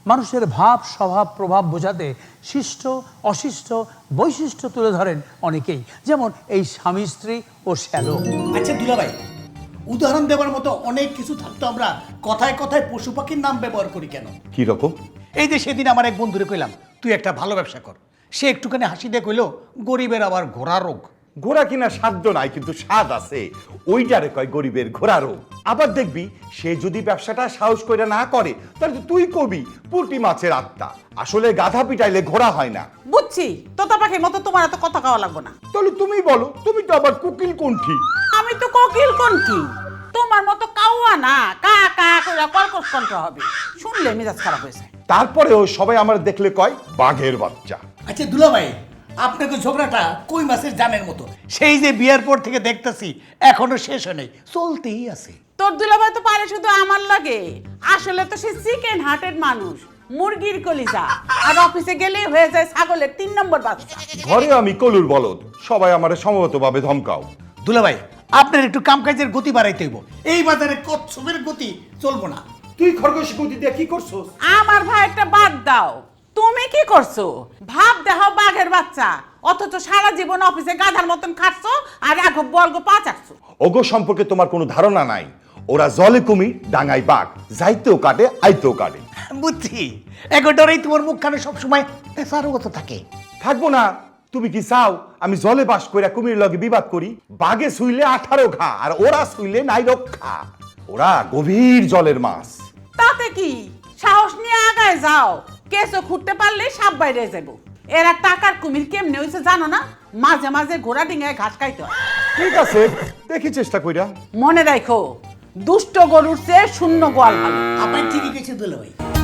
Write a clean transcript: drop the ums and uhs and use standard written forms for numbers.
মানুষের ভাব স্বভাব প্রভাব বোঝাতে শিষ্ট অশিষ্ট বৈশিষ্ট্য তুলে ধরেন অনেকেই, যেমন এই স্বামী স্ত্রী ও শ্যালো। আচ্ছা দুলাভাই, উদাহরণ দেওয়ার মতো অনেক কিছু থাকতো, আমরা কথায় কথায় পশু পাখির নাম ব্যবহার করি কেন? কি রকম? এই যে সেদিন আমার এক বন্ধুরে কইলাম তুই একটা ভালো ব্যবসা কর, সে একটুখানি হাসি দিয়ে কইলো গরিবের আবার ঘোড়া রোগ। ঘোড়া কিনা সাধ্য নাই, কিন্তু স্বাদ আছে, ওইটারে কয় গরিবের ঘোড়া রোগ। আবার দেখবি সে যদি ব্যবসাটা সাহস করে না করে, তাহলে তো তুই কবি পুঁটি মাছের আত্মা। আসলে গাধা পিটাইলে ঘোড়া হয় না। বুঝছি, তোতা পাখির মতো তোমার এত কথা খাওয়া লাগবে না। তাহলে তুমি বলো, তুমি তো আবার কুকিল কোনঠি। আমি তো কোকিল কণ্ঠী, তোমার মতো কাউয়া না, কা কা করে কর্কশ কণ্ঠ হবে, শুনলে মেজাজ খারাপ হয়েছে। তারপরেও সবাই আমার দেখলে কয় বাঘের বাচ্চা। আচ্ছা দুলাভাই, আপনাকে ঝগড়াটা কই মাছের জানের মতো, সেই যে বিয়ার পর থেকে দেখতেছি এখনো শেষ হয় নাই, চলতেই আছে। তোর দুলাভাই তো পারে শুধু আমার লাগে, আসলে তো সে চিকেন হার্টেড মানুষ, মুরগির কলিজা, আর অফিসে গেলেই হয়ে যায় ছাগলের 3 নম্বর বাচ্চা। ঘরে আমি কলুর বলদ, সবাই আমার সমবেতভাবে ধমকাও। দুলাভাই, আপনার একটু কামকাজের গতি বাড়াইতে হইব, এই বাজারে কচ্ছপের গতি চলবো না। তুই খরগোশ গতি দিয়ে কি করছো? আমার ভাই একটা বাদ দাও, তুমি কি করছো? ভাব দেখো বাঘের বাচ্চা, অথচ সারা জীবন অফিসে গাধার মতন খাটছো আর এক বর্গ পা চাটছো। ওগো সম্পর্কে তোমার কোনো ধারণা নাই। ওরা জলে কুমির, ডাঙায় বাঘ, যাইতেও কাটে আইতেও কাটে। বুঝছি, এগোটারেই তোমার মুখখানে সবসময় পেশারগত থাকে। থাকবো না? তুমি কি চাও আমি জলে বাস কইরা কুমির লগে বিবাদ করি? বাঘে শুইলে 18 ঘা, আর ওরা শুইলে নাই রক্ষা। ওরা গভীর জলের মাছ। তাতে কি, সাহস নিয়ে আগায় যাও, কেসও খুঁড়তে পারলে সাপ বাইরে যাবো। এরা টাকার কুমির কেমনে হইছে জানো না? মাঝে মাঝে ঘোড়া ডিঙায় ঘাস খাইতে হয়। ঠিক আছে, দেখি চেষ্টা কইরা। মনে রাখো, দুষ্ট গরুর চেয়ে শূন্য গোয়াল ভালো। আপনি ঠিকই গেছে দুলাভাই।